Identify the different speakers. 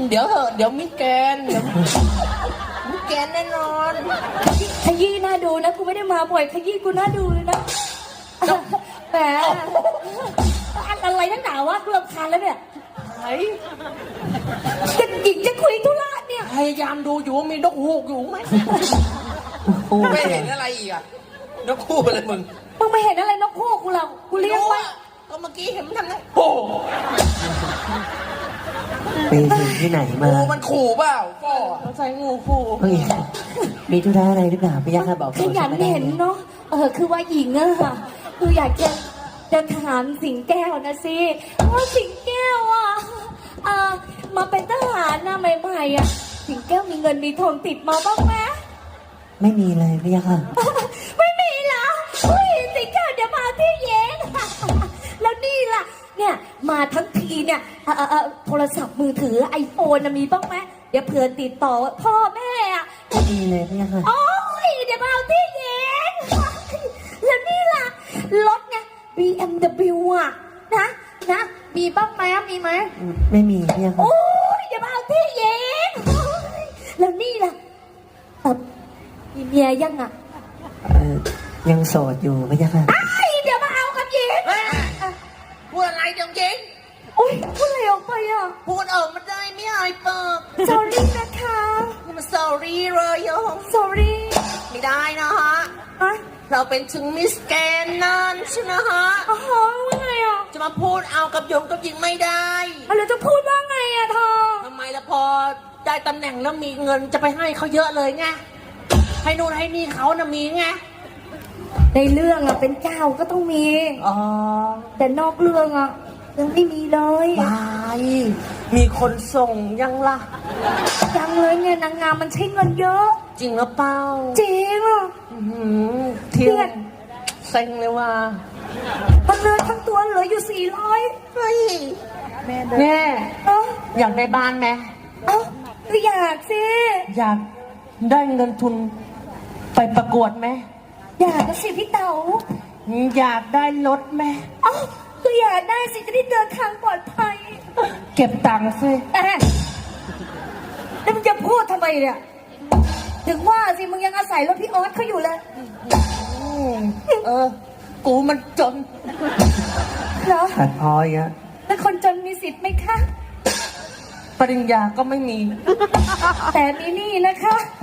Speaker 1: เดี๋ยวเถอะเดี๋ยวมิสแกนเดี๋ยวมิสแกนแน่นอน
Speaker 2: ขยี้น่าดูนะกูไม่ได้มาบ่อยขยี้กูน่าดูเลยนะแหมอะไรนักหนาวะกูรำคาญแล้วเนี่ย
Speaker 1: ไอ้
Speaker 2: จะหญิงจะคุยธุระเนี่ย
Speaker 1: พยายามดูอยู่ว่ามีนกฮูกอยู่ไหมไม่เห็นอะไรอีกอะนกฮูกอะไรมึง
Speaker 2: มึงไม่เห็นอะไรนกฮูกกูหรอกกูเลี้ยงไว้
Speaker 1: ก็เมื่อกี้เห็นมันทำไงโอ้
Speaker 3: ไปถึงที่ไหนมา
Speaker 1: งูมันขู่เปล่าฟ่อใส่งูขู่
Speaker 3: เฮ้ยมีธุระอะไรหรือเปล่าพี่ยักษ์บอก
Speaker 2: ขยันเห็นเนาะคือว่าหญิงอะค่ะคืออยากจะถามสิงแก้วนะสิว่าสิงแก้วอะมาเป็นทหารนะใหม่ๆอะสิงแก้วมีเงินมีทองติดมาบ้างไหม
Speaker 3: ไม่มีเลยพี่ยักษ์
Speaker 2: ไม่มีเหรออุ้ยสิงแก้วเดี๋ยวมาที่เย็น แล้วนี่ล่ะเนี่ยมาทั้งทีเนี่ยโทรศัพท์มือถือไอโฟนมีบ้างไหมเดี๋ยวเผื่อติดต่อพ่อแม่อะ
Speaker 3: ไม่มีเลยพี่ยักษ์
Speaker 2: โอ้ยเดี๋ยวมาเอาที่เย็น แล้วนี่ล่ะรถไง BMW อ่ะนะมีบ้างไหมมีไหม
Speaker 3: ไม่มีพี่ยักษ์
Speaker 2: โอ้ยเดี๋ยวมาเอาที่เย็น แล้วนี่ล่ะมีเมียยังอ่ะ
Speaker 3: ยังโสดอยู่พี่ยักษ์
Speaker 2: เดี๋ยวมาเอากับหญิง
Speaker 1: พูดอะไรจังจริง
Speaker 2: โอ้ยพูดอะไรออกไปอ่ะ
Speaker 1: พูดมันได้ไม่อายเปิด
Speaker 2: sorry นะคะ
Speaker 1: นี่มัน sorry เลยโยม
Speaker 2: sorry
Speaker 1: ไม่ได้นะฮะ
Speaker 2: อะ
Speaker 1: เราเป็นถึงมิสแกนนั่นใช่ไหมฮะ
Speaker 2: อ๋อว่าไงอ่ะ
Speaker 1: จะมาพูดเอากับโยมกับหญิงไม่ได้
Speaker 2: แล้วจะพูดว่าไงอ่ะทอ
Speaker 1: ทำไมล่ะพอได้ตำแหน่งแล้วมีเงินจะไปให้เขาเยอะเลยไงให้นู่นให้นี่เขานะมีไง
Speaker 2: ในเรื่องอ่ะเป็นเจ้าก็ต้องมี
Speaker 1: อ๋อ
Speaker 2: แต่นอกเรื่องอ่ะยังไม่มีเลย
Speaker 1: บายมีคนส่งยังล่ะ
Speaker 2: ยังเลยเนี่ยนางงามมันใช้เงินเยอะ
Speaker 1: จริงหรือเปล่า
Speaker 2: จริงอ่ะ
Speaker 1: เที่ยวเซ็งเลยว่า
Speaker 2: มันเลือทั้งตัวเหลืออยู่400
Speaker 1: เฮ้ยแม่
Speaker 2: เอ้า
Speaker 1: อยากได้บ้านไหม
Speaker 2: เอ้าก็อยากสิ
Speaker 1: อยากได้เงินทุนไปประกวดไหม
Speaker 2: อยากก็สิพี่เต๋า
Speaker 1: อยากได้รถไหม
Speaker 2: เอ้าก็อยากได้สิจะได้เดินทางปลอดภัย
Speaker 1: เก็บตังค์สิ
Speaker 2: แล้วมึงจะพูดทำไมเนี่ยถึงว่าสิมึงยังอาศัยรถพี่ออสเขาอยู่เลย
Speaker 1: กูมันจน
Speaker 2: เหรอ
Speaker 3: ตัดพออีกแล้ว
Speaker 2: แล้วคนจนมีสิทธิ์ไหมคะ
Speaker 1: ปริญญาก็ไม่มี
Speaker 2: แต่มีนี่นะคะ